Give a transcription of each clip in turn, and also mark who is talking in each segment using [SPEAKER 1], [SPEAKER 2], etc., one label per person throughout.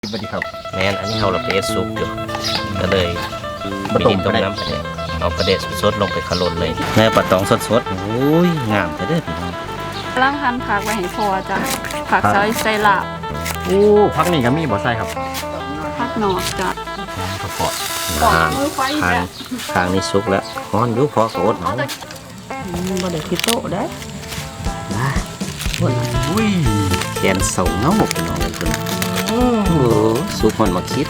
[SPEAKER 1] สวัสดีครับ
[SPEAKER 2] แม่นอันนี้เราไปเอสซุปอยู่ก็เลย
[SPEAKER 1] มาต้ม
[SPEAKER 2] ต้มน้ำประเดะเอาประเดะสดๆลงไปขลนเลยแม่ปลาตองสดๆโอ้ยงามแต่เด้อพี่น้อง
[SPEAKER 3] ล่างหั่นผักไว้ให้พอจ้ะผักใส่ลาบ
[SPEAKER 1] โอ้พักนี่ก็มีบ่อไส้ครับ
[SPEAKER 3] ผักหนอกจ้ะ
[SPEAKER 1] ข้าวเปาะ
[SPEAKER 3] มือไฟ
[SPEAKER 2] ทาง
[SPEAKER 3] จ้ะ
[SPEAKER 2] ทางนี้สุกแล้วฮ้อนอยู่พอก็อดเอา
[SPEAKER 3] บ่ได้คิดโตได้
[SPEAKER 1] อุ้ย
[SPEAKER 2] แขนเสาเงาพี่น้องเลยคุณโอ้โหสุกมันมาคิด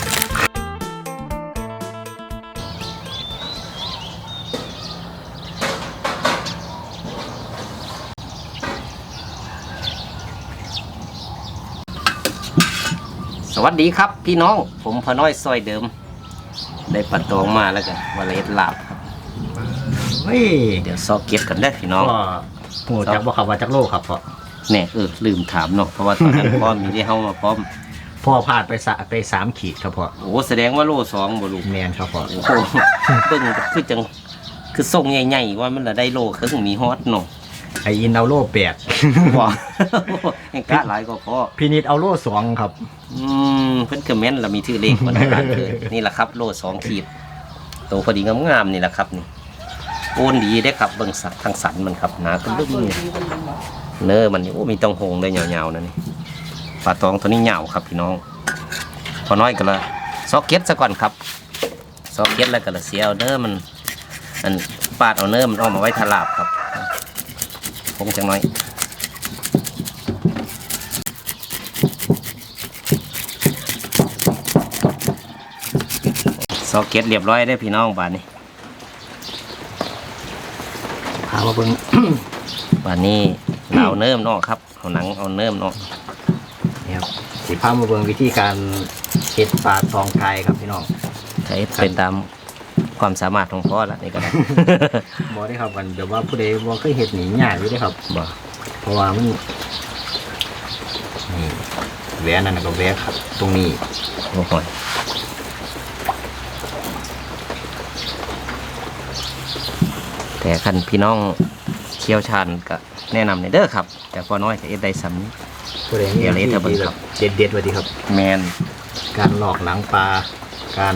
[SPEAKER 2] สวัสดีครับพี่น้องผมพอน้อยซอยเดิมได้ปลาตองมาแล้วกันวันละเอ็ดลาบครับ
[SPEAKER 1] เฮ้ย
[SPEAKER 2] เดี๋ยวซอกเก็บกันได้อพี่น้อง
[SPEAKER 1] ก็โหจักบ่ครับว่าจักโลครับพ่อ
[SPEAKER 2] แน่ลืมถามเนาะเพราะว่าตอนนั้น พ่อมีได้เฮามาพร้อม
[SPEAKER 1] พ่อพลาดไป3 ขีดครับพ่อ
[SPEAKER 2] โอ้แสดงว่าโล2บ่ลูก
[SPEAKER 1] แมนครับพ่อ
[SPEAKER 2] โอ้โหเบิ่งคือจังคือทรงใหญ่ๆว่ามันละได้โลครึ่งมีฮอตเนาะ
[SPEAKER 1] ไออินเอาโล8
[SPEAKER 2] ว้ายังกะหลายก็พอ
[SPEAKER 1] พี่นิดเอาโล2ครับ
[SPEAKER 2] เพิ่นก็แม่นละมีชื่อเลขมันร้านเกินนี่แหละครับโล2 ขีดโตพอดีงามๆนี่แหละครับนี่โอนดีได้ครับเบิ่งสักทางสันมันครับหนาขึ้นลึกนี่เนื้อมันนี่โอ้มีต้องโหงเลยยาวๆนะนี่ปลาตองตัวนี้ยาวครับพี่น้องพอน้อยก็ละซอกเก็ตซะก่อนครับซอกเก็ตแล้วก็ละเสียเอาเนื้อมันอันปาดเอาเนื้อมันออกมาไว้ทาลาบครับคงจังน้อยซอกเก็ตเรียบร้อยได้พี่น้องบาดนี้
[SPEAKER 1] พามาเบิ่ง
[SPEAKER 2] บาดนี้เราเอาเนื้อมันออกครับเอาหนังเอาเนื้อมันออก
[SPEAKER 1] นี่ครับสิพามาเบิ่งวิธีการเฮ็ดปลาทองไก่ครับพี่น้อง
[SPEAKER 2] ใช้เป็นตามความสามารถของพ่อละนี่ก็ได้
[SPEAKER 1] บ่ได้ครับมันเดี๋ยวว่าผู้ใดบ่เคยเฮ็ดนี่ยากอยู่เด้ครับ
[SPEAKER 2] บ่
[SPEAKER 1] เพราะว่ามันนี่แหวนนั่นนะก็แหวนครับ ตรงนี้
[SPEAKER 2] โอ้โหแต่คันพี่น้องเชี่ยวชาญก็แนะนำในเด้อครับ แต่พอน้อยก็เอ็ดได้ซ้ำนี้
[SPEAKER 1] ผู้ใดมี
[SPEAKER 2] เดี๋ยวเลยเถอะเบิ่ง
[SPEAKER 1] ที่
[SPEAKER 2] ค
[SPEAKER 1] แบ
[SPEAKER 2] รั
[SPEAKER 1] บบ เด็ดๆไว้ดีครับ
[SPEAKER 2] แมน
[SPEAKER 1] การหลอกหนังปลาการ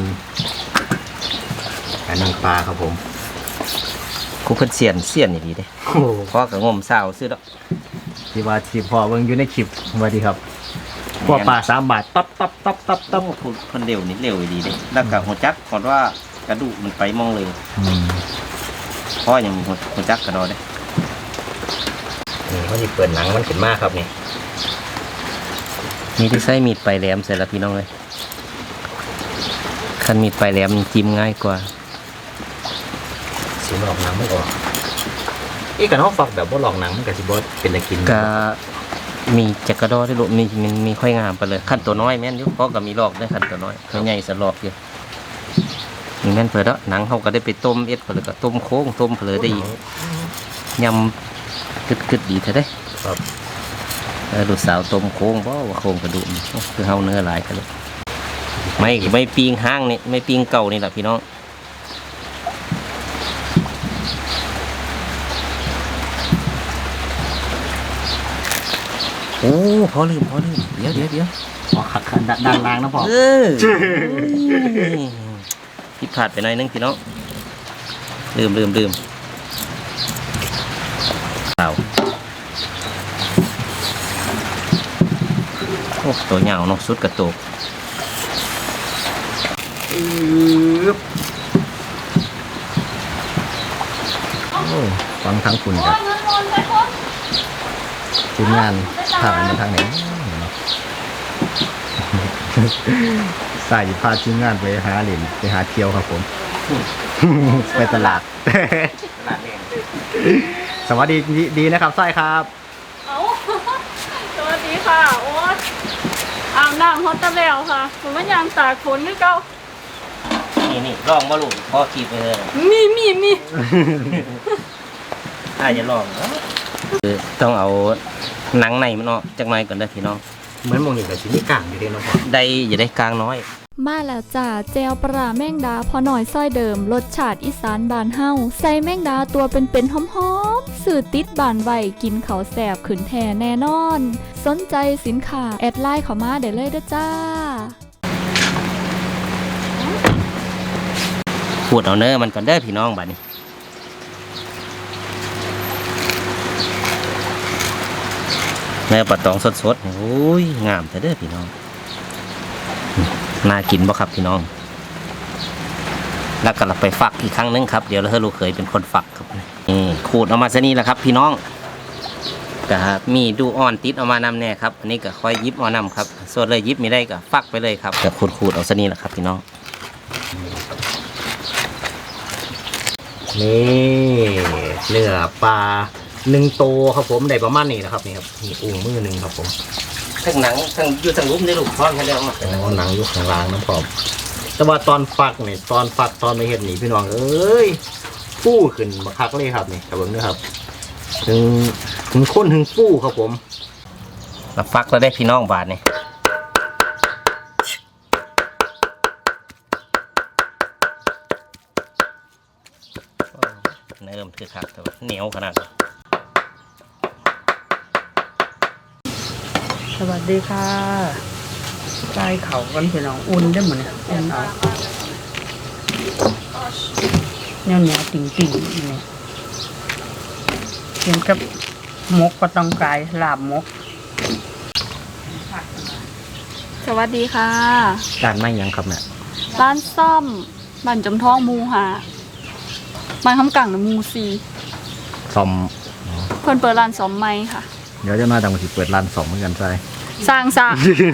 [SPEAKER 1] นังปลาครับผม
[SPEAKER 2] ครูเพิ่นเสียนนี่ดีเด้
[SPEAKER 1] โอ้
[SPEAKER 2] พ่อก็งมเศร้าซื้อดอก
[SPEAKER 1] ที่ว่าที่พอเบิ่งอยู่ในคลิปสวัสดีครับพวกปลา3 บาทตับ
[SPEAKER 2] ต้องเพิ่นเร็วนี่เร็วดีเด้แล้วก็หัวจักก่อนว่ากระดูกมันไปมองเลย พ่อยังมีหัวจักกระดอได้
[SPEAKER 1] นี่เขาสิเปิดหนังมันขึ้นมากครับนี่
[SPEAKER 2] มีที่ใช้มีดปลายแหลมใส่ละพี่น้องเลยคันมีดปลายแหลมจิ้มง่ายกว่า
[SPEAKER 1] สิหลอกหนังไม่ออกกันเขาฝักแบบบ่หลอกหนังมันก็สิบ่เป็นตะกิน
[SPEAKER 2] ก็มีจักกระดอได้ลูกมีค่อยงามไปเลยขั้นตัวน้อยแม่นอยู่เพราะก็มีลอกได้ขั้นตัวน้อยตัวใหญ่สลอกอยู่มีแม่นเผลอแล้วหนังเขาก็ได้ไปต้มเอ็ดเผลอก็ต้มโค้งต้มเผลอได้อีกยำกึดดีเท่าได้
[SPEAKER 1] ครับ
[SPEAKER 2] ลูกสาวต้มโค้งเพราะว่าโค้งกระดูกคือเฮาเนื้อหลายกันเลยไม่ปีงห้างนี่ไม่ปีงเก่านี่แหละพี่น้องโอ้พอลืมเดี๋ยว
[SPEAKER 1] อ๋อขัดด้านล่างนะพ่อ
[SPEAKER 2] ผิดพลาดไปหน่อยนึงพี่น้องลืมเปล่าโอ้ตัวเหงาเนาะสุดกระตุก
[SPEAKER 1] โอ้ฟังทั้งคุณครับทีมงานผ่านมาทางไหนใส่พาทีมงานไปหาเหรียญไปหาเที่ยวครับผม ไปตลาด สวัสดีนะครับไส้ครับ
[SPEAKER 3] เอาสวัสดีค่ะโอ๊ตอาบน้ำฮอตเตอร์แล้วค่ะผมว่ายางตากฝนคือเก่า
[SPEAKER 2] นี่ลองมาลูกพ่อขีดไปเลย
[SPEAKER 3] มี
[SPEAKER 2] ถ้าจะลองคือต้องเอาหนังในมันออกจากหน่อยก่อนเด้อพี่น้อง
[SPEAKER 1] เหมือนมองเห็นแต่ชิ้นนี้กลางอยู่เด้เนาะพ่อ
[SPEAKER 2] ได้อย่าได้กลางน้อย
[SPEAKER 3] มาแล้วจ้าแจวปลาแมงดาพอหน่อยซ้อยเดิมรสชาติอีสานบานเฮาใส่แมงดาตัวเป็นๆหอมๆสื่อติดบานไวกินเขาวแสบขืนแทแน่นอน สนใจสินค้าแอดไลน์เข้ามาได้เลยเด้อจ้า
[SPEAKER 2] พูดเอาเนื้อมันก่อนเด้อพี่น้องบัดนี้เนื้อปลาตองสดๆโอ้ยงามแต่เด้อพี่น้องน่ากินบ่ครับพี่น้องแล้วก็เราไปฝักอีกครั้งนึงครับเดี๋ยวเราให้ลูกเคยเป็นคนฝักครับนี่ขูดออกมาซะนี่แหละครับพี่น้องก็มีดูอ่อนติดออกมานำแน่ครับอันนี้ก็ค่อยยิบเอานำครับส่วนเลยยิบไม่ได้ก็ฝักไปเลยครับก็ขูดเอาซะนี่แหละครับพี่น้องนี่เนื้อปลา1 โตครับผมได้ประมาณนี้นะครับนี่ครับมีอุ้งมือ1ครับผมทั้งหนังทั้งอยู่ทั้งรูปในลูกพร้อมกันแล้วหนังอยู่ข้างล่างน้ำพร้อมแต่ว่าตอนฟักนี่ตอนไม่เห็นนี่พี่น้องเอ้ยฟู่ขึ้นมาคักเลยครับนี่ครับผมนะครับถึงข้นถึงฟู่ครับผมมาฟักแล้วได้พี่น้องบาทนี่เนิ่มคือคักแต่ว่าเหนียวขนาด
[SPEAKER 4] สวัสดีค่ะใส่เขากันพี่น้องอุ่นได้หมดเนี่ยอุ่นเอาเนี่ยติ่งเนี่ยกินกับมกก็ต้องกายลาบมก
[SPEAKER 3] สวัสดีค่ะ
[SPEAKER 1] การไม่ยังครับเนี่ย
[SPEAKER 3] ร้านซ่อมบ้านจำท้องมูหาบ้านคำกังนะมูซี
[SPEAKER 1] ซ่อม
[SPEAKER 3] เพิ่นเปิดร้านซ่อมไม้ค่ะ
[SPEAKER 1] เดี๋ยวจะน่าจะมาสิเปิดร้าน2เหมือนกันใช่
[SPEAKER 3] สร้างซะ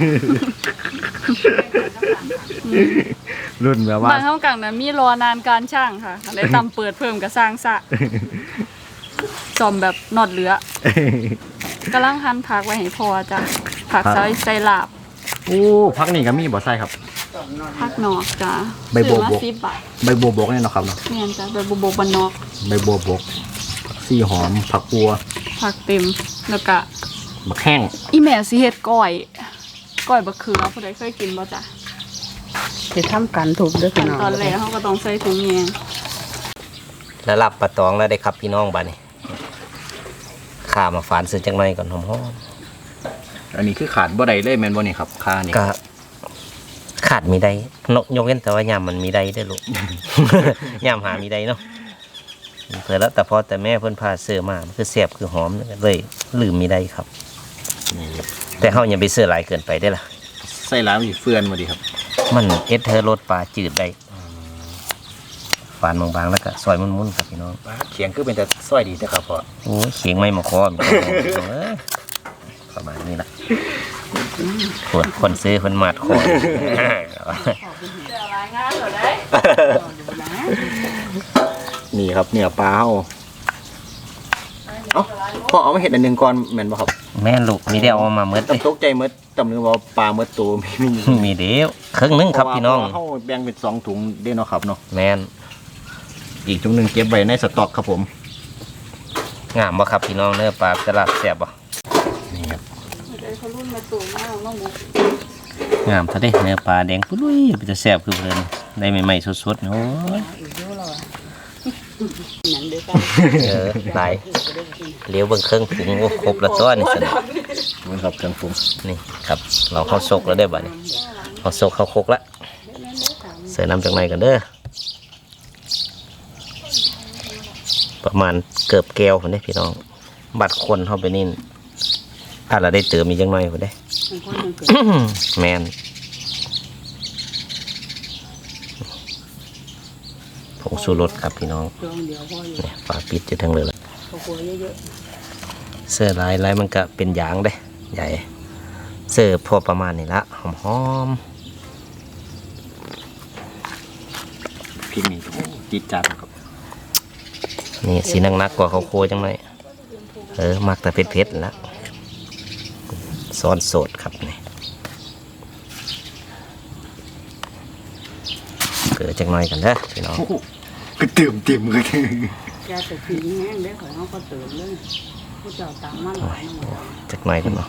[SPEAKER 1] รุ่นแบบว่า
[SPEAKER 3] บ้านคำกังนะมีรอนานการช่างค่ะเลยตำเปิดเพิ่มกับสร้างซะซ่อมแบบนอดเหลือกำลังหั่นผักไว้ให้พอจ้ะผักใส่ลาบ
[SPEAKER 1] โอ้พักนี่ก็มีบ่ใส่ครับ
[SPEAKER 3] ผักนอกจ้ะ
[SPEAKER 1] ใบบัวบก
[SPEAKER 3] ซื้อมา10 บาท
[SPEAKER 1] ใบบัวบกเนี่ยเนาะครับเนาะ
[SPEAKER 3] เนียนจ้ะใบบัวบกบ้านนอก
[SPEAKER 1] ใบบัวบกผักซี่หอมผักบัว
[SPEAKER 3] ผักเต็มแล้วก็
[SPEAKER 1] มะแข้ง
[SPEAKER 3] อีแม่สิเฮ็ดก้อยบะเขือผู้ใดเคยกินบ่จ้ะ
[SPEAKER 4] จะทำกันถูกด้วยพี่น้อง
[SPEAKER 3] ตอนแรกเขาก็ต้องใส่ถุงแยง
[SPEAKER 2] แล้วรับปลาตองแล้วได้ครับพี่น้องบาดนี้ข้ามาฝานซื้อจังไรก่อนหอม
[SPEAKER 1] อันนี้คือขาดบ่ได้เลยแม่นบ่นี่ครับค่านี่
[SPEAKER 2] ๆก็ขาดมีได้ยกเว้นแต่ว่ายามมันมีได้ได้อลูก ยามหามีได้เนาะเผื่อแล้วแต่พอแต่แม่เพิ่นพาเสื้อมามันคือแซ่บคือหอมเลยลืมมีได้ครับ แต่เฮาอย่าไปเสื้อหลายเกินไปได้อล่ะ
[SPEAKER 1] ใส่ร้านสิเฟื่อนบ่ดีครับ
[SPEAKER 2] มันเธอรสปลาจืดได้ฝานบางๆแล้วก็ซอยมุนๆครับพี่น้อง
[SPEAKER 1] เขียงคือเป็นแต่ซอยดีนะครับพ่อ
[SPEAKER 2] โอ้ยเขียงไม่มาคอมประมาณนี้ละคนซื้อคนมาดคอ
[SPEAKER 1] นี่ครับเนื้อปลาเฮาเอ้าพ่อเอามาเฮ็ดอันหนึงก่อนแม่นบ่ครับ
[SPEAKER 2] แม่ลูกมีเดียวเอามาเมื่อ
[SPEAKER 1] ตกใจหมดตำนึงว่าปลาหมดตัวมี
[SPEAKER 2] มีเดียวครึ่งนึงครับพี่น้อง
[SPEAKER 1] เพราะว่าเฮาแบ่งเป็น2ถุงเด้เนาะครับเนาะ
[SPEAKER 2] แม่น
[SPEAKER 1] อีกถุงหนึงเก็บไว้ในสต็อกครับผม
[SPEAKER 2] งามบ่ครับพี่น้องเนื้อปลาตลาดแซ่บบ่
[SPEAKER 1] นี่ครับ
[SPEAKER 2] งามซะเด้เนื้อปลาแดงปุ้ยมันจะแซ่บคือเพิ่นได้ใหม่ๆสดๆโอ้ยหลายเลี้ยวเบิ่งเครื่องปรุงโอ้ครบแล้วตัวนี่สิ
[SPEAKER 1] มันครับเครื่องปรุง
[SPEAKER 2] นี่ครับเราเข้าซกแล้วได้บ่นี่เข้าซกเข้าคกแล้วเสิร์ฟน้ำจากไหนกันเด้อประมาณเกือบแก้วคนนี้พี่น้องบัดคนเข้าไปนี่ถ้าเราได้เติมมีจังหน่อยคนได้ แมนผงชูรสครับพี่น้องเนี่ยฝาปิดจะทั้งเลยเสื้อลายมันก็เป็นยางได้ใหญ่เสื้อพอประมาณนี้ละหอม
[SPEAKER 1] พริกนี่โอ้จิตจัดครับ
[SPEAKER 2] ๆนี่สีนักๆกว่าเขาโคจังเลยมักแต่เผ็ดๆแล้วซ้อนโสดครับนี่เกิดจังหน่อยกันเด้อพี่น้อง
[SPEAKER 1] ก็เติมเลย
[SPEAKER 4] แกแต่ผีแห้งได้ของเขาก็เติมเลยผู้เจ้าตามมาหลายหมด
[SPEAKER 2] จักหน่อยกันเนาะ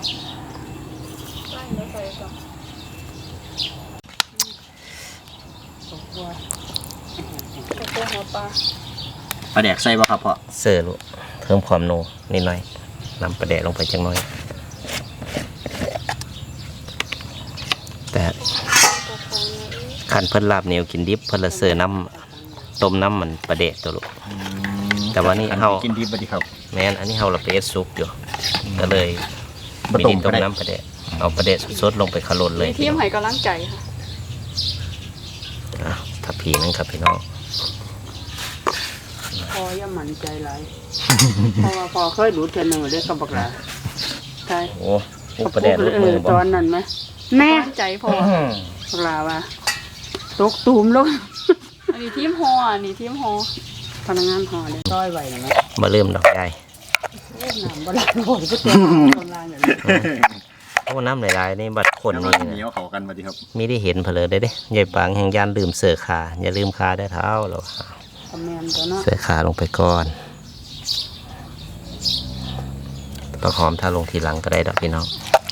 [SPEAKER 1] ปลาแดกใส่บ่ครับพ่อ
[SPEAKER 2] เสิร์ฟลูกเพิ่มความโนนิดหน่อยนำปลาแดดลงไปจังหน่อยแต่ขันเพิ่นลาบเหนียวกินดิบเพิ่นละเสิร์ฟน้ต้มน้ำมันประเดะตัวลูก แต่ว่านี่เฮา
[SPEAKER 1] กินดีบ่ดีครับ
[SPEAKER 2] แม่นอันนี้เฮาเราไปเอ็ดซุปอยู่ก็เลย
[SPEAKER 1] บ่
[SPEAKER 2] ไม่
[SPEAKER 1] ต้
[SPEAKER 2] ได้
[SPEAKER 1] มก็
[SPEAKER 2] ต้ม
[SPEAKER 1] ได้
[SPEAKER 2] น้ำประเดะเอาประเดะสดๆลงไปขลนเลย
[SPEAKER 3] มีทีมให้กำลังใจค่ะ
[SPEAKER 2] อ่ะถ้าพีนั่นครับพี่น้อง
[SPEAKER 4] พออย่าหมั่นใจหลายเพราะว่าพอเคยดูเทรนเนอร์เด้กับบักหลาใช่
[SPEAKER 2] โอ้โหประเดะลูกมือบ่
[SPEAKER 4] ตอนนั้นไหมแน่
[SPEAKER 3] กำลังใจพอ
[SPEAKER 4] บักหลาว่าตกตูมลง
[SPEAKER 3] อันนี้ทีมฮออันนี้ทีมฮอ
[SPEAKER 4] พนักงานห่อเลยต้อยไหวไหม
[SPEAKER 2] มาเริ่มดอกใหญ่
[SPEAKER 4] เล่นน้ำบลาโหยก็เต็มตรงล่างอย่างนี้
[SPEAKER 2] โอ้น้ำหลายๆนี่บัดคนนี่
[SPEAKER 1] เหนียวเขากันบ่ดีครับ
[SPEAKER 2] ไม่ได้เห็นเพลอได้เด้ยายปางแห่งยานลืมเสือขาอย่าลืมขาได้เท้าเรา
[SPEAKER 4] คอมเมนต์ตัวเนาะ
[SPEAKER 2] เสือขาลงไปก่อนประหอมถ้าลงทีหลังก็ได้ดอกพี่น้อง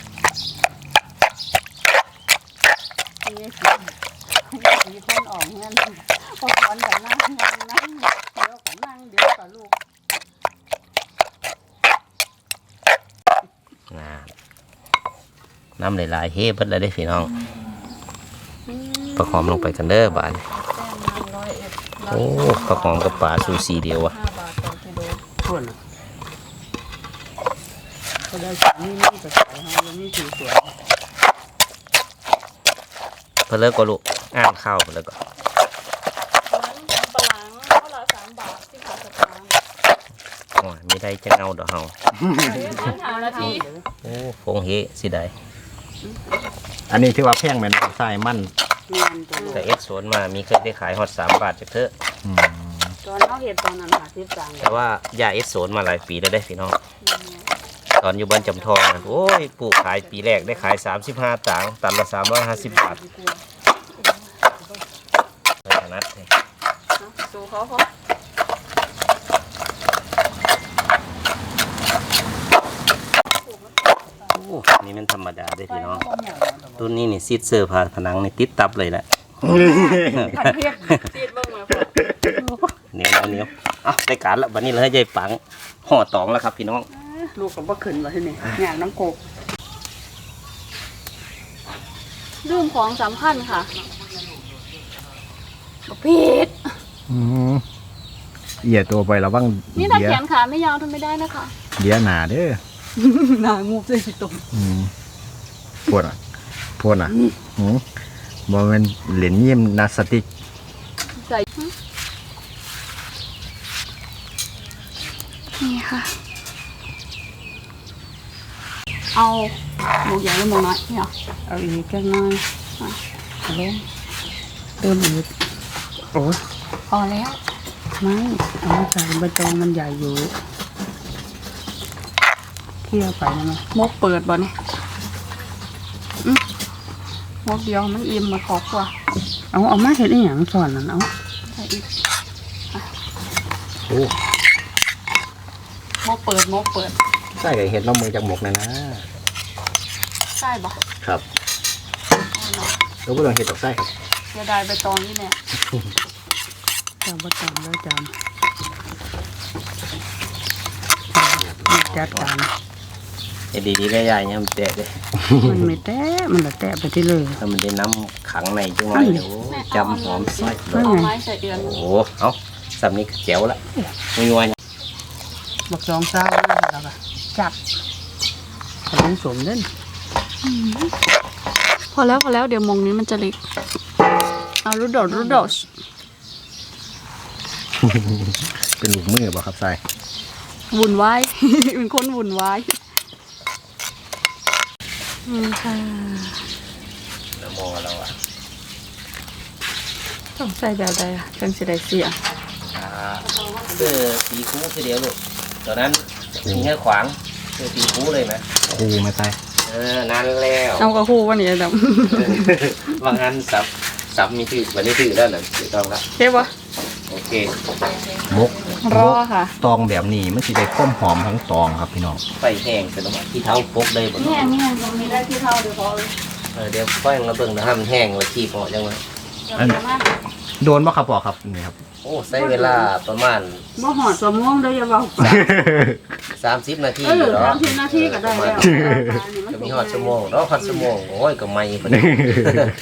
[SPEAKER 4] มีคนออกเงินพอสอนกับนั่งเดี๋ยวกับนั่งเดี๋ยวกับลูก
[SPEAKER 2] น้ำหลายๆเฮ้เบิดเลยได้พี่น้องประหอมลงไปกันเด้อบานโอ้ประหอมกับปลาซูซีเดียวอะ
[SPEAKER 3] 5 บาทต่อกิโล
[SPEAKER 4] คนก็ได้สิ่งนี้นี่จะขายให้ยังไม่ถือสวย
[SPEAKER 2] เพื่อเลิกก็ลูกอ่านข้าวเพื่อเลิกก็
[SPEAKER 3] ร้านปลาหลังเท่าละ3 บาท10 บาทสตางค์
[SPEAKER 2] โอ้ยมีได้จะเงาดอกเฮา
[SPEAKER 3] หานาที
[SPEAKER 2] โอ้ฟงเฮสิได้
[SPEAKER 1] อันนี้ถือว่าแพงแม่นใส่มัน
[SPEAKER 4] เงินตัวลูก
[SPEAKER 2] แต่เอ็กโซนมามีเคยได้ขายฮอต3 บาทจากเถอะ
[SPEAKER 1] อืม
[SPEAKER 4] ตอนเขาเห็ดตอนนั้นหาที่สั่ง
[SPEAKER 2] แต่ว่ายาเอ็กโซนมาหลายปีแล้วได้พี่น้องตอนอยู่บ้านจำทองนะโอ้ยปลูกขายปีแรกได้ขาย35ตังค์ตันละ350 บาทไม่ถนัดเลย
[SPEAKER 3] สู้เขาพอ
[SPEAKER 2] โอ้นี่มันธรรมดาได้พี่น้องต้นนี้นี่ซีดเซอร์พาผนังนี่ติดตับเลยแหละ
[SPEAKER 3] ผัดเพียกซีดเบิ่งมาพอ
[SPEAKER 2] เหนียวเหนียวอ่ะได้การละวันนี้เลยยายปังห่อตองแล้วครับพี่น้อง
[SPEAKER 4] ลูกกับบ่ขึ้นว่าที่นี่งานน้ำโกก
[SPEAKER 3] ลืมของสำคัญค่ะบ่ผิด
[SPEAKER 1] อืมเอียตัวไประวัง
[SPEAKER 3] นี่ถ้า
[SPEAKER 1] เดีย
[SPEAKER 3] แขนขาไม่ยาวทำไม่ได้นะคะ
[SPEAKER 1] เดียหนาเด้อ
[SPEAKER 3] หนางูเลยสิตรง
[SPEAKER 1] อืมปวดอ่ะปวดอ่ะอืมบ่แม่นเหรียญเยี่ยมนาสติก
[SPEAKER 3] ใส่นี่ค่ะ เอาหมูใหญ่หรือหมูน้อยเนี่ย
[SPEAKER 4] เอาอีกแค่น้อยเอาลงเติมอีกโอ้ย
[SPEAKER 3] พอแล้ว
[SPEAKER 4] ไม่เอามาใส่ใบตองมันใหญ่อยู่เคี่ยวไปนะมั้ย
[SPEAKER 3] มกเปิดบ่เนี่ยมกเดียวมันอิ่มมาขอบกว่า
[SPEAKER 4] เอามาเห็ดอีหยังสอนนั่นเอา
[SPEAKER 3] ใส่อีก
[SPEAKER 1] โอ้
[SPEAKER 3] มกเปิดมกเปิด
[SPEAKER 1] ใส่กับเห็ดน้ำมือจากหมกนะนะ
[SPEAKER 3] ใช่บ่
[SPEAKER 1] ครับแล้วก็ลองเห็ดตอกไส้ครับ
[SPEAKER 3] เสียดายใบตองนี่เนี่ย
[SPEAKER 4] เจ้าประจำแล้วจำจัดการ
[SPEAKER 2] เอ็ดดีๆได้ยายเนี่ยมันแตะเลย
[SPEAKER 4] มันไม่แตะมันละแตะไปที่เลย
[SPEAKER 2] ถ้ามันได้น้ำขังในจังไรเดี๋ยวจำหอมใส่เล
[SPEAKER 4] นั่
[SPEAKER 2] ย
[SPEAKER 4] น
[SPEAKER 3] เอา
[SPEAKER 4] ไง
[SPEAKER 3] ไม้ใส่เดือน
[SPEAKER 2] โอ้โหเอาสำนี้ก็แจ๋วละไม่ยวน
[SPEAKER 4] บักสองเศร้าแล้วก็จับขนมสมเล่น
[SPEAKER 3] พอแล้วเดี๋ยวมงนี้มันจะเล็กเอารูดดอช
[SPEAKER 1] เป็นลูกมือบ่ครับใส่
[SPEAKER 3] วุ่นวาย เป็นคนวุ่นวายค่ะ
[SPEAKER 2] น้ำมอเราอะ
[SPEAKER 3] ต้องใส่แบบใดอะจังสิได้เสีย
[SPEAKER 2] เสื้อสีคูคือเดียวลูกตอนนั้นมีแค่ขวางเสื้อสีคูเลยไหม
[SPEAKER 1] ครูไม่ใส่
[SPEAKER 2] นานแล้ว
[SPEAKER 3] เอากระคู่วันนี้ด
[SPEAKER 2] บางอันสับมีถือวันนี้ถือแล้วนะถือต้องละ
[SPEAKER 3] ำเท่ปะ
[SPEAKER 2] โอเค
[SPEAKER 1] มก
[SPEAKER 3] รอค่ะ
[SPEAKER 1] ตองแบบนี้มันสิได้ความหอมทั้งตองครับพี่น้อง
[SPEAKER 2] ไฟแห้งเป็นระหว่างที่เท้าพกได้บ่
[SPEAKER 3] นี่ตรงนี้ได้ที่เท่าเดี๋ยวพอเลย
[SPEAKER 2] เดี๋ยวไฟเราเบิ่งนะฮะมันแห้งแล้วขี้พอจังเลย
[SPEAKER 1] อันโดนบ่ครับปอกครับนี่ครับ
[SPEAKER 2] โอ้ใช้เวลาประมาณ
[SPEAKER 4] บ่หอดสมองได้อยังเบาไป
[SPEAKER 2] 30 นาที
[SPEAKER 4] เออ
[SPEAKER 2] เนาะ
[SPEAKER 4] 30 นาทีก็ได้แล้ว
[SPEAKER 2] จะมีหอดชั่วโมงเนาะหอดชั่วโมงโอ้ยก็ไม่พอดี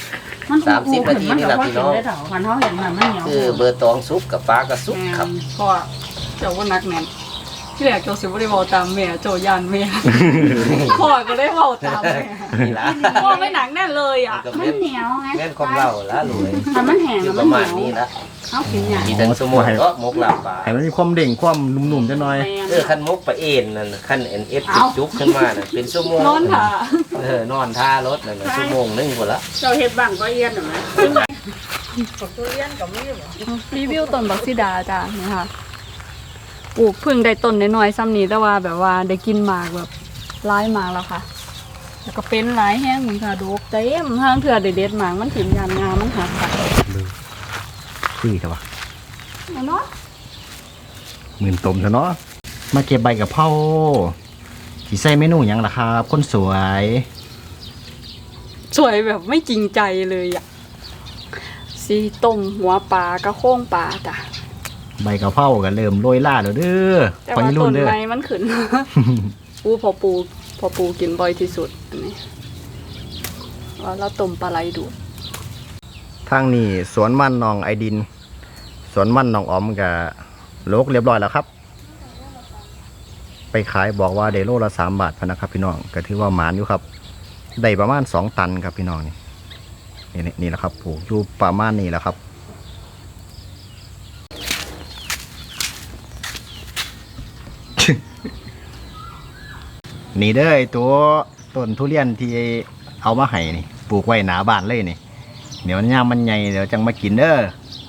[SPEAKER 2] 30 นาทีนี่แหละพี่น้อง
[SPEAKER 4] มันเขาเห็นมันเหนียว
[SPEAKER 2] คือเบอร์ตองซุปกับปลากระซุปครับ
[SPEAKER 3] พ่อเจ้าว่านักแน่นที่แรกโจสิบ่ได้เว้าตามแม่โจย่านแม่พ่อก็ได้เว้าตามแม่
[SPEAKER 2] นี่ละ
[SPEAKER 3] พ่อไม่หนักแน่นเลยอ่ะ
[SPEAKER 2] ก็
[SPEAKER 4] มั
[SPEAKER 2] แม่
[SPEAKER 4] น
[SPEAKER 2] น
[SPEAKER 4] เหนียวไง
[SPEAKER 2] แม่นความเล่าละรวย
[SPEAKER 4] ถ้ามันแห้ง
[SPEAKER 2] อยู่
[SPEAKER 4] มั
[SPEAKER 2] ป
[SPEAKER 4] น
[SPEAKER 2] ระ
[SPEAKER 4] เหนี
[SPEAKER 2] มาณ
[SPEAKER 4] ยว
[SPEAKER 2] นี้ละ
[SPEAKER 4] เขากินอย่าง
[SPEAKER 2] มีทั้งสมุนก็มกลาบปลา
[SPEAKER 1] ให้มันมีความเด้งความนุ่มๆจังหน่อย
[SPEAKER 2] คันมกปลาเอ็นนั่นคันเอ็นเอฟจุกขึ้นมาน่ะเป็นชั่วโมง
[SPEAKER 3] นอนค่ะ
[SPEAKER 2] นอนท่ารถนั่นน่ะชั่วโมงนึงพุ่นละ
[SPEAKER 4] เราเห็ดบังก็เอียนหรือไงตัวเอียนกับมีบ่
[SPEAKER 3] รีวิวต้นบักซิดาจ้ะนี่ค่ะปลูกเพิ่งได้ต้นน้อยๆซ้ำนี้แต่ว่าแบบว่าได้กินหมากแบบร้ายหมากแล้วค่ะแล้วก็เป็นหลายแห้งเหมือนค่ะดกเต็มห้างเถื่อเด็ดๆหมากมันถิ่มยามงามมันหักค่ะ
[SPEAKER 1] คือแต่ว่า
[SPEAKER 3] เนาะ
[SPEAKER 1] หมื่นตมซะเนาะมาเก็บใบกะเพราสิใส่เมนูหยังล่ะครับคนสวย
[SPEAKER 3] สวยแบบไม่จริงใจเลยอ่ะสีต้มหัวปลากระโค้งปลาจ้ะ
[SPEAKER 1] ใบกะเพราก็เริ่มโรยล่าแล้วเด้อ
[SPEAKER 3] แต่
[SPEAKER 1] พอ
[SPEAKER 3] ว่า
[SPEAKER 1] ยี่รุ่
[SPEAKER 3] ต้
[SPEAKER 1] น
[SPEAKER 3] น
[SPEAKER 1] เด้อ
[SPEAKER 3] ไม้มันขึ้น พอปูกินบ่อยที่สุดอันนี้ว่าเราต้มปลาไหลดู
[SPEAKER 1] ทางนี้สวนมันหนองไอดิน สวนมันหนองออมกับโลกเรียบร้อยแล้วครับ ไปขายบอกว่าได้โลละ3 บาทพะนะครับพี่น้องก็ถือว่าหมานอยู่ครับได้ประมาณ2 ตันครับพี่น้องนี่แหละครับปลูกอยู่ประมาณนี้แหละครับ นี่เด้อไอ้ตัวต้นทุเรียนที่เอามาให้นี่ปลูกไว้หนาบ้านเลยนี่เดี๋ยวย่ามมันใหญ่เดี๋ยวจังมากินเด้อ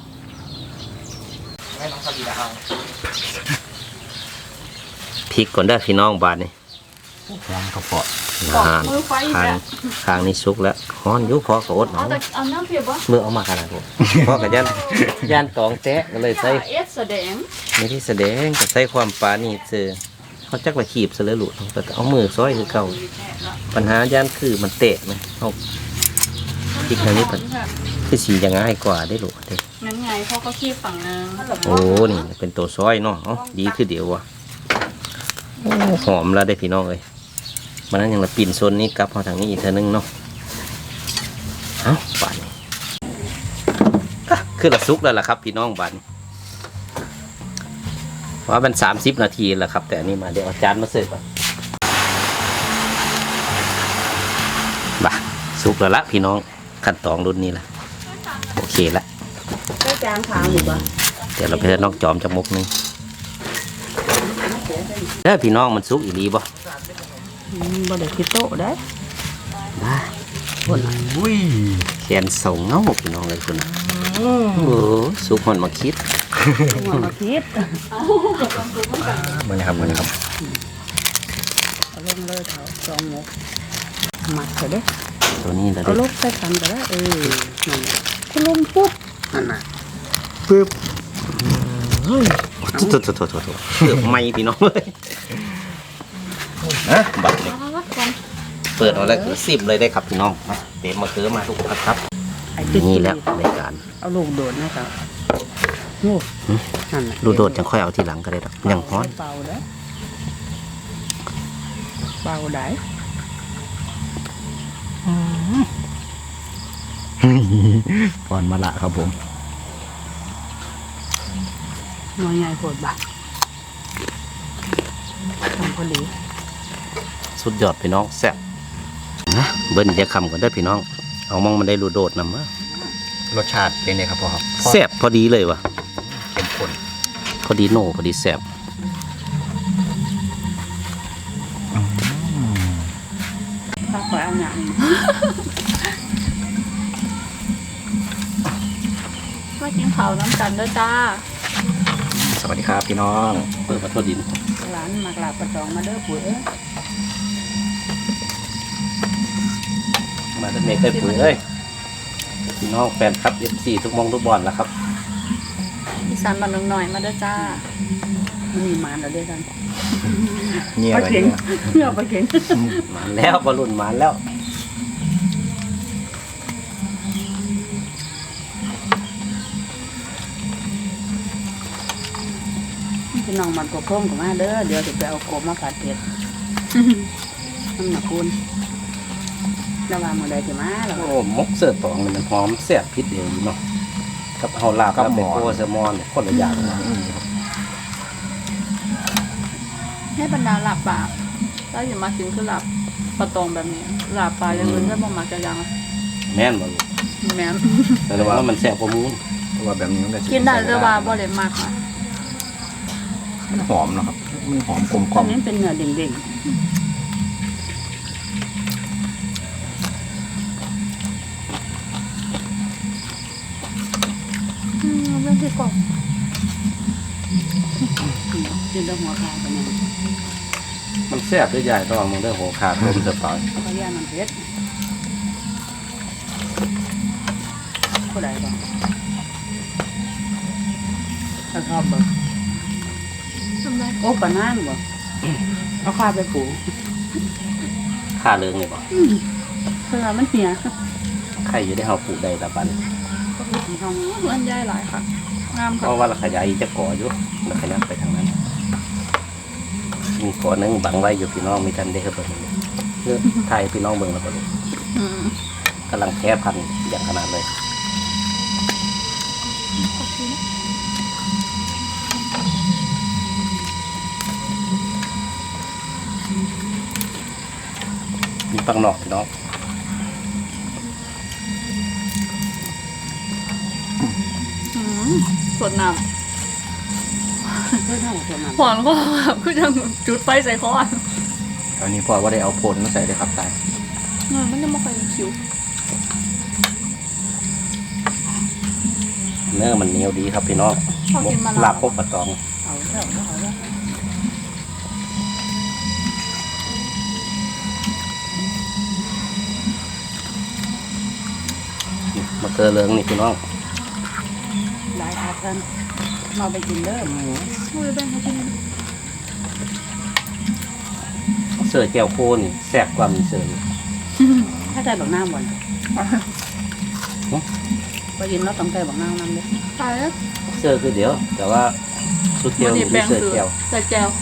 [SPEAKER 2] พริกก่อนได้พี่น้องบาดนี่
[SPEAKER 1] วางกระเปาะ
[SPEAKER 3] มือไฟอีก
[SPEAKER 2] ทาง
[SPEAKER 3] แล้ว
[SPEAKER 2] ทางนี้สุกแล้วฮ้อนอยู่พอก็อด
[SPEAKER 3] เอา
[SPEAKER 2] เอา
[SPEAKER 3] แต่เอาน้ำเพียบวะ
[SPEAKER 2] เมื่อเอามาขนาดนี้พ่อกับย่านตองแตะก็เลยใส่
[SPEAKER 3] เอสแสดง
[SPEAKER 2] ไม่ได้แสดงก็ใส่ความปานี่เจอเขาจักละขีบซะเลยหลุดแต่เอามือซ้อยคือเก่าปัญหาย่านคือมันเตะไหมเอาพริกทางนี้เป็นคือสีจะง่ายกว่าได้หลุดเด้
[SPEAKER 3] งั้นไงพ่อก็ขี้ฝั่งนึง
[SPEAKER 2] โอ้นี่เป็นตัวซ้อยเนาะเอ้าดีคือเดี๋ยววะโอ้หอมแล้วได้พี่น้องเลยมันนั้นยังละปิ่นโซนนี้กลับมาทางนี้อีกเท่านึงเนาะเอ้าบานนี้อ่ะคือละซุกแล้วล่ะครับพี่น้องบานนี้ว่ามัน30 นาทีแล้วครับแต่อันนี้มาเดี๋ยวเอาจานมาเสิร์ฟก่อนบ่าซุกแล้วละพี่น้องขั้นตอนรุ่นนี้ละโอเคละ
[SPEAKER 4] ได้จานขาวหรือเปล่า
[SPEAKER 2] เดี๋ยวเราไปเฮ็ดนอกจอมจักมุกหนึงเด้อพี่น้องมันซุกอีหลีบ่
[SPEAKER 4] บ่ได้คิดโตได้
[SPEAKER 2] บ้า
[SPEAKER 1] อุ้ย
[SPEAKER 2] แขนส่งเงาพี่น้องเลยคุณนะโอ้ซุกมันมาคิด
[SPEAKER 4] หัวมาคิด
[SPEAKER 1] มันนะครับมันนะครับ
[SPEAKER 4] เอาลงเลยเถอะสองหมกหมักเถอะเด้
[SPEAKER 2] ตัวนี้เรา
[SPEAKER 4] เอา
[SPEAKER 2] ได้
[SPEAKER 4] ลูกใส่กันก็ได้นั่นคุณลุงปุ๊บนั่นน่ะ
[SPEAKER 1] ปึ๊บ
[SPEAKER 2] โถเกือบไหมพี่น้องเลยนะบัตรนี่เปิดเอาแล้วคือ10เลยได้ครับพี่น้องมาเต็มมาเคือมาทุกคนครับ
[SPEAKER 4] ไอ้ติ๊ก
[SPEAKER 2] นี่แหละในการ
[SPEAKER 4] เอาลูกโดดนะครับโอ้นั่นน่ะ
[SPEAKER 2] ดูโดดจังค่อยเอาทีหลังก็ได้ดอกยังฮ้อน
[SPEAKER 4] เบาเด้อเบาได้
[SPEAKER 1] ก่อนมาละครับผม
[SPEAKER 4] น้อยใหญ่โพดบ่ะทำพอดี
[SPEAKER 2] สุดยอดพี่น้องแซ่บนะเบิ้ลจะคำก่อนได้อพี่น้องเอามองมันได้รูโดดนำมาร
[SPEAKER 1] สชาติเป็นไงครับพ่อครับ
[SPEAKER 2] แซ่บพอดีเลยวะ
[SPEAKER 1] เข้มข้น
[SPEAKER 2] พอดีโน่พอดีแซ่บ
[SPEAKER 4] ถ้าขอเอาหนัง
[SPEAKER 3] มากินข้าวน้ำกันด้วยจ้า
[SPEAKER 1] สวัสดีครับพี่น้อง
[SPEAKER 2] เปิดมาโทษดิน
[SPEAKER 4] หลานมากลาบประจองมาเด้อปุ๋ยเอ้ย
[SPEAKER 2] มาตั้งแต่เคยปุ๋ยเอ้ยพี่น้องแฟนครับFCทุกมองทุกบอลแล้วครับ
[SPEAKER 3] อีสานบ้านน้องหน่อยมาด้วยจ้า
[SPEAKER 4] มันมีหมานแล้วเด้อกัน
[SPEAKER 1] เงียบ
[SPEAKER 4] ปลา
[SPEAKER 1] ไป
[SPEAKER 4] เข็ง
[SPEAKER 1] เนี่ย
[SPEAKER 4] เนื้อปลาเข็ง
[SPEAKER 2] มาแล้วบอลลุนมาแล้ว
[SPEAKER 4] พี่น้องมันกบพร่มกับมาเด้อเดี๋ยวจะไปเอากบมาผัดเผ็ดน้ำหนักคุณระหว่างมื้อใดสิมาแล้ว
[SPEAKER 2] โอ้มกเสื้อตองนี่มันหอมแซ่บพิษเดียวอยู่เนาะกับเฮาลาบกับเป็นโกแซลมอนเนี่ยคนละอย่างนะ
[SPEAKER 3] ให้บรรดาหลับปลาแล้วอย่ามากินคือหลับปลาตองแบบนี้หลับปลาอย่างอื่นได้บ่มักจะยัง
[SPEAKER 2] แม่นบ่ลูก
[SPEAKER 3] แม่น
[SPEAKER 2] แต่ว่ามันแซ่บกว่าหมูน
[SPEAKER 1] เพราะว่าแบบนี้มันก็สิ
[SPEAKER 3] กินได้แต่ว่าบ่ได้มากค่ะ
[SPEAKER 1] มันหอมเนาะครับมันหอมกลมกล่
[SPEAKER 4] อั
[SPEAKER 1] อน ม
[SPEAKER 4] นี้เป็นเนื้อเด้ง
[SPEAKER 3] เรื่องที่กรอบ
[SPEAKER 4] ๆกินแต่หัวขาไปเนี่ย
[SPEAKER 2] มันแซ่บด้วยใหญ่ต้องมึงได้โหขาดลมสบาย
[SPEAKER 4] เขาก็ย่านมันเผ็ดผู้ใดบ่ถ้าชอบบ่
[SPEAKER 3] ทำไร
[SPEAKER 4] โอ้ปลานางบ่เอาข้าไปปลูก
[SPEAKER 2] ค่าเรื่องนี่บ่
[SPEAKER 4] เพื่อมันเหี่ย
[SPEAKER 2] ใครอยู่ได้เฮาปลูกได้ละบัด
[SPEAKER 4] ก็มีที่ห้อง
[SPEAKER 3] อันใหญ่หลายค่ะงาม
[SPEAKER 2] เพ
[SPEAKER 3] ค่ะ
[SPEAKER 2] ราะว่าเราขยายจะก่ออยู่เราขยับไปทางนั้น มีก่อหนึงบังไว้อยู่พี่น้องมีทันได้ครับเบิ่งเลือกไทยพี่น้องเบิ่งแล้วก็ลูก
[SPEAKER 3] อืม
[SPEAKER 2] กำลังแพ้พันธุ์อย่างขนาดเลยมีปังนอกพี่น้อง
[SPEAKER 3] อืมสดน้
[SPEAKER 4] เพื่อเท่าตัวนั้น
[SPEAKER 3] ำหอนก็แบบคือจะจุดไฟใส่คออ่ะ
[SPEAKER 1] อันนี้พอว่าได้เอาผลมาใส่เลยครับตาย
[SPEAKER 3] มันจะมาค่อยคิว
[SPEAKER 2] เนื้อมันเหนียวดีครับพี่น้อง
[SPEAKER 3] พอกินมะ
[SPEAKER 2] ลา
[SPEAKER 3] นา
[SPEAKER 2] บ
[SPEAKER 3] ว
[SPEAKER 2] พกปลาตอง
[SPEAKER 4] เอาแล้วเอาแล้ว
[SPEAKER 2] มะเขือเหลืองนี่พี่น้อง
[SPEAKER 4] หลายอากันมาไปกินเด้อหมู
[SPEAKER 3] มือแบ่งเขากิน
[SPEAKER 2] เสือแก้วโคนี่แซ่บกว่ามีเสืออยู่
[SPEAKER 4] ถ้าใจบักน้ำบ่นไปยินแล้วต้องใจบักน้ำนำเลย
[SPEAKER 3] ตายแล้ว
[SPEAKER 2] เสือคือเดียว แต่ว่าสุดเดียว
[SPEAKER 3] วัน
[SPEAKER 2] มี
[SPEAKER 3] นี้แบ่ง
[SPEAKER 2] เสือ
[SPEAKER 3] คือ
[SPEAKER 2] แก้ว
[SPEAKER 3] ใส่แจว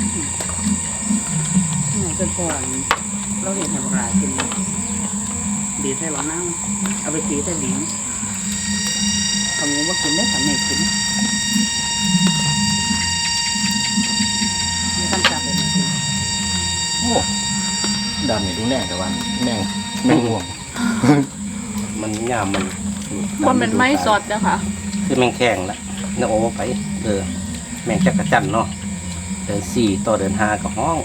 [SPEAKER 4] ไหนเป็นพอนเราเห็นให้บักหลายกินดีใส่บักน้ำเอาไปตีใส่หลิงเอาหมูมากินได้สำเร็จกินมีคำจับเลยมากิน
[SPEAKER 1] โอ้ดำนี่ดูแน่แต่ว่าแม่งห่วง
[SPEAKER 2] มันยามมัน
[SPEAKER 3] บนเป็นไม้สดนะคะ
[SPEAKER 2] คือแมงแข้งละเนื้อโอ้ไปแมงจักรจันทร์เนาะเดือน4ต่อเดือน5ก็ห้อง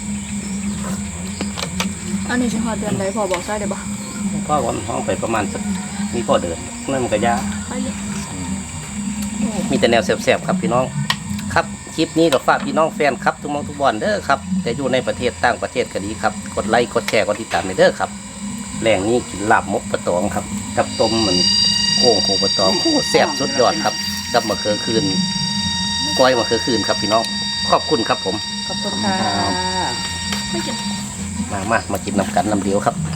[SPEAKER 3] อันนี้ชิฮอดเดือนใดพอบอกได้เลยปะ
[SPEAKER 2] พ่อวันห้องไปประมาณสักมีพ่อเดือนนั่นมันก็ยา
[SPEAKER 3] ไปเลย
[SPEAKER 2] มีแต่แนวแซ่บๆครับพี่น้องครับคลิปนี้ก็ฝากพี่น้องแฟนครับทุกหมองทุกบอนเด้อครับแต่อยู่ในประเทศต่างประเทศก็ดีครับกดไลค์กดแชร์กดติดตามในเด้อครับแรงนี้กินลาบมกปลาตองครับกับต้มเหมือนโค้งโคปลาตองโอ้แซ่บสุดยอดครับกับมะเขือคืนก้อยมะเขือคืนครับพี่น้องขอบคุณครับผม
[SPEAKER 4] ขอบคุณค่ะ
[SPEAKER 3] ไม่กิน
[SPEAKER 2] มากินน้ำกันน้ำเดียวครับ